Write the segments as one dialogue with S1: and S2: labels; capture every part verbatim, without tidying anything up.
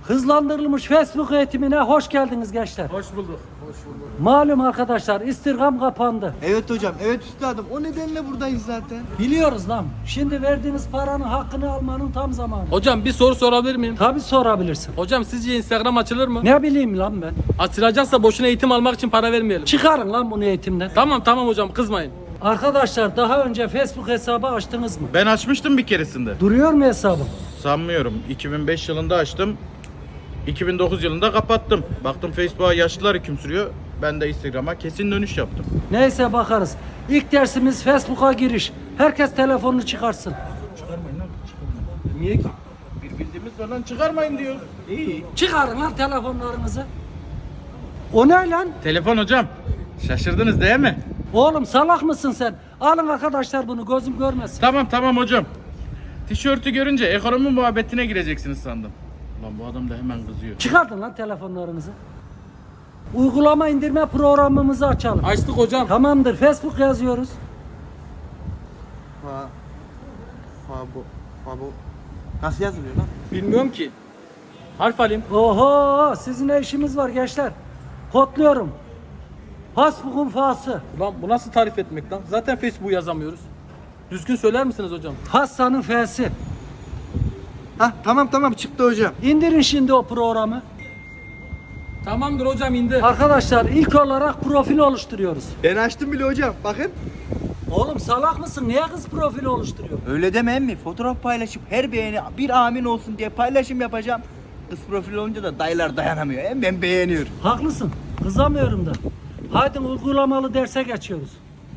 S1: Hızlandırılmış Facebook eğitimine hoş geldiniz gençler.
S2: Hoş bulduk. Hoş bulduk.
S1: Malum arkadaşlar, istirham kapandı.
S3: Evet hocam, evet üstadım. O nedenle buradayız zaten.
S1: Biliyoruz lan. Şimdi verdiğiniz paranın hakkını almanın tam zamanı.
S2: Hocam bir soru sorabilir miyim?
S1: Tabii sorabilirsin.
S2: Hocam sizce Instagram açılır mı?
S1: Ne bileyim lan ben.
S2: Açılacaksa boşuna eğitim almak için para vermeyelim.
S1: Çıkarın lan bunu eğitimden.
S2: Tamam tamam hocam kızmayın.
S1: Arkadaşlar daha önce Facebook hesabı açtınız mı?
S4: Ben açmıştım bir keresinde.
S1: Duruyor mu hesabım?
S4: Sanmıyorum. iki bin beş yılında açtım. iki bin dokuz yılında kapattım. Baktım Facebook'a yaşlılar hüküm sürüyor. Ben de Instagram'a kesin dönüş yaptım.
S1: Neyse bakarız. İlk dersimiz Facebook'a giriş. Herkes telefonunu çıkarsın.
S4: Çıkarmayın lan. Çıkarmayın. Niye ki? Bir bildiğimiz falan çıkarmayın diyor. İyi.
S1: Çıkarın lan telefonlarınızı. O ne lan?
S4: Telefon hocam. Şaşırdınız değil mi?
S1: Oğlum salak mısın sen? Alın arkadaşlar bunu, gözüm görmesin.
S4: Tamam tamam hocam. Tişörtü görünce ekonomi muhabbetine gireceksiniz sandım. Lan bu adam da hemen kızıyor.
S1: Çıkartın lan telefonlarınızı. Uygulama indirme programımızı açalım.
S2: Açtık hocam.
S1: Tamamdır, Facebook yazıyoruz.
S3: Fa... Fa bu... Fa bu... Nasıl yazılıyor lan?
S2: Bilmiyorum ki. Harf alayım.
S1: Oho, sizin ne işimiz var gençler? Kodluyorum. Facebook'un fası.
S2: Ulan bu nasıl tarif etmek lan? Zaten Facebook'u yazamıyoruz. Düzgün söyler misiniz hocam?
S1: Hasan'ın f'si.
S3: Hah tamam tamam çıktı hocam.
S1: İndirin şimdi o programı.
S2: Tamamdır hocam indi.
S1: Arkadaşlar ilk olarak profil oluşturuyoruz.
S3: Ben açtım bile hocam. Bakın.
S1: Oğlum salak mısın? Niye kız profili oluşturuyor?
S3: Öyle deme emmi. Fotoğraf paylaşıp her beğeni bir amin olsun diye paylaşım yapacağım. Kız profil olunca da dayılar dayanamıyor. Hem ben beğeniyorum.
S1: Haklısın. Kızamıyorum da. Haydi uygulamalı derse geçiyoruz.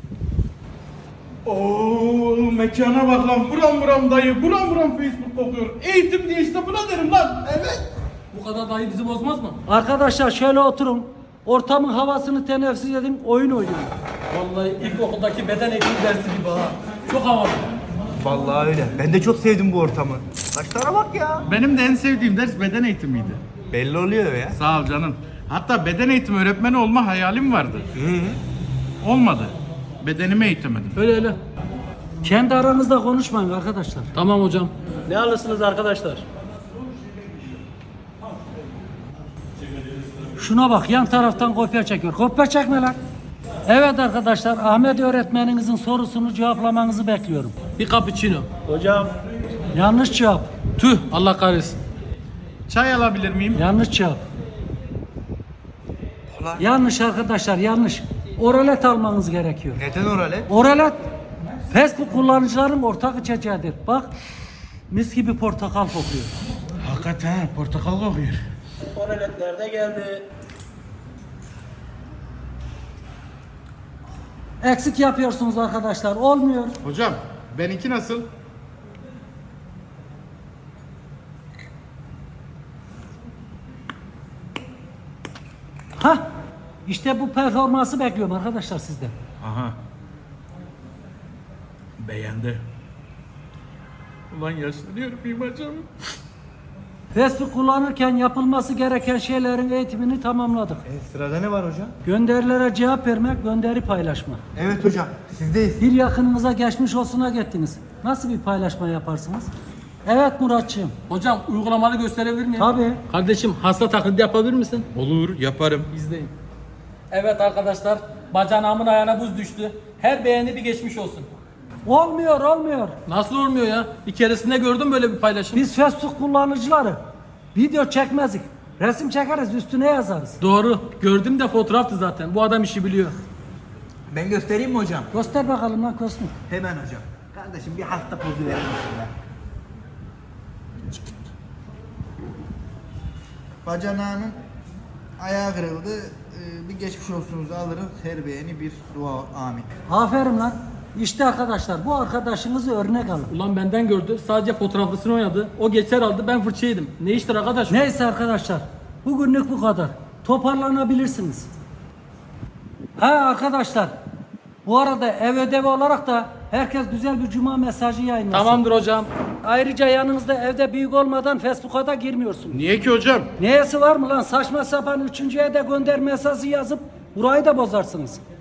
S4: Oo mekana bak lan. Buram buram dayı. Buram buram Facebook kokuyor. Eğitim diye işte buna derim lan. Evet.
S2: Bu kadar dayı bizi bozmaz mı?
S1: Arkadaşlar şöyle oturun. Ortamın havasını teneffüs edin, oyun oynayın.
S2: Vallahi ilkokuldaki beden eğitimi dersi gibi ha. Çok havalı.
S3: Vallahi öyle. Ben de çok sevdim bu ortamı. Saçlara bak ya.
S4: Benim de en sevdiğim ders beden eğitimiydi.
S3: Belli oluyor ya.
S4: Sağ ol canım. Hatta beden eğitimi öğretmeni olma hayalim vardı. Olmadı. Bedenimi eğitemedim.
S2: Öyle öyle.
S1: Kendi aranızda konuşmayın arkadaşlar.
S2: Tamam hocam. Ne alırsınız arkadaşlar?
S1: Şuna bak, yan taraftan kopya çekiyor. Kopya çekme lan. Evet arkadaşlar, Ahmet öğretmeninizin sorusunu cevaplamanızı bekliyorum.
S2: Bir cappuccino.
S1: Yanlış cevap.
S2: Tüh Allah kahretsin.
S4: Çay alabilir miyim?
S1: Yanlış cevap. Yanlış arkadaşlar, yanlış. Oralet almanız gerekiyor.
S3: Neden oralet?
S1: Oralet Facebook kullanıcıların ortak içeceğidir. Bak, mis gibi portakal kokuyor.
S4: Hakikaten portakal kokuyor.
S2: Oraletler de geldi.
S1: Eksik yapıyorsunuz arkadaşlar, olmuyor.
S4: Hocam benimki nasıl?
S1: Hah, işte bu performansı bekliyorum arkadaşlar sizden.
S4: Aha. Beğendi. Ulan yaşlanıyorum imacım.
S1: Facebook kullanırken yapılması gereken şeylerin eğitimini tamamladık.
S3: E, sırada ne var hocam?
S1: Gönderilere cevap vermek, gönderi paylaşma.
S3: Evet hocam. Sizdeyiz.
S1: Bir yakınınıza geçmiş olsuna gittiniz. Nasıl bir paylaşma yaparsınız? Evet Muratçığım.
S2: Hocam uygulamalı gösterebilir miyim?
S1: Tabii.
S2: Kardeşim hasta taklidi yapabilir misin?
S4: Olur yaparım.
S2: İzleyin. Evet arkadaşlar, bacanağımın ayağına buz düştü. Her beğeni bir geçmiş olsun.
S1: Olmuyor, olmuyor.
S2: Nasıl olmuyor ya? Bir keresinde gördüm böyle bir paylaşım.
S1: Biz Facebook kullanıcıları video çekmezdik. Resim çekeriz, üstüne yazarız.
S2: Doğru. Gördüm de fotoğraftı zaten. Bu adam işi biliyor.
S3: Ben göstereyim mi hocam?
S1: Göster bakalım lan Kosmik.
S3: Hemen hocam. Kardeşim bir hasta pozu verir misin ya? Bacanağının ayağı kırıldı. Ee, bir geçmiş olsunuzu alırız. Her beğeni bir dua. Amin.
S1: Aferin lan. İşte arkadaşlar, bu arkadaşınızı örnek alın.
S2: Ulan benden gördü. Sadece fotoğraflısını oynadı. O geçer aldı. Ben fırça yedim. Ne iştir arkadaş?
S1: Neyse arkadaşlar, bugünlük bu kadar. Toparlanabilirsiniz. Ha arkadaşlar, bu arada ev ödevi olarak da herkes güzel bir cuma mesajı yayınlasın.
S2: Tamamdır hocam.
S1: Ayrıca yanınızda evde büyük olmadan Facebook'a da girmiyorsunuz.
S4: Niye ki hocam?
S1: Neyesi var mı lan? Saçma sapan üçüncüye de gönder mesajı yazıp burayı da bozarsınız.